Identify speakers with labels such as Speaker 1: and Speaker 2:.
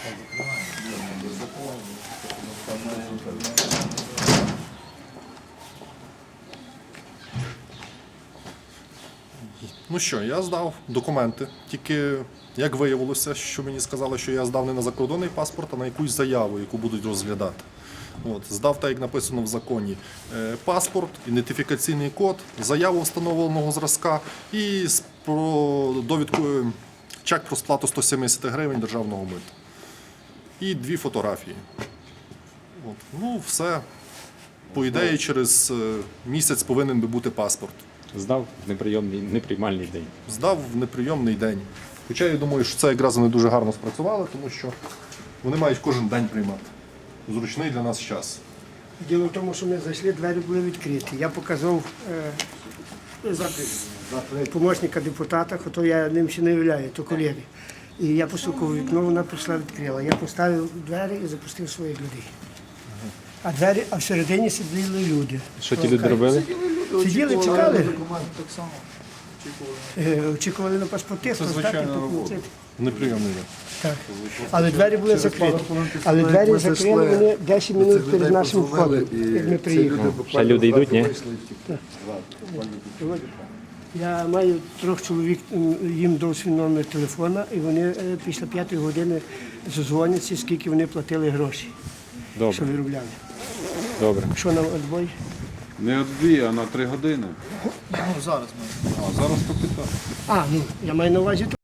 Speaker 1: Ну що, я здав документи, тільки як виявилося, що мені сказали, що я здав не на закордонний паспорт, а на якусь заяву, яку будуть розглядати. Здав так, як написано в законі, паспорт, ідентифікаційний код, заяву встановленого зразка і довідку, чек про сплату 170 гривень державного мита. І 2 фотографії. Ну, все. По ідеї, через місяць повинен би бути паспорт.
Speaker 2: Здав в неприймальний день.
Speaker 1: Здав в неприйомний день. Хоча я думаю, що це якраз вони дуже гарно спрацювали, тому що вони мають кожен день приймати. Зручний для нас час.
Speaker 3: Діло в тому, що ми зайшли, двері були відкриті. Я показав помічника депутата, хоча я ним ще не являю, то колеги. І я постукав у вікно, вона прийшла, відкрила. Я поставив двері і запустив своїх людей. А всередині сиділи люди.
Speaker 2: Що ті люди робили?
Speaker 3: Сиділи, чекали. Очікували на паспорти, хто здати,
Speaker 1: Неприйомний день.
Speaker 3: так. Але двері були закриті. Але двері закрили вони 10 минут перед нашим входом, як ми приїхали.
Speaker 2: Ще люди йдуть, ні?
Speaker 3: Я маю 3 чоловік, їм дав свій номер телефона, і вони після 5 години задзвоняться, скільки вони платили гроші, що
Speaker 2: Добре,
Speaker 3: виробляли.
Speaker 2: добре.
Speaker 3: Що нам відбой?
Speaker 4: Не 2, а на 3 години.
Speaker 1: Зараз по 15.
Speaker 3: Ну, я маю на увазі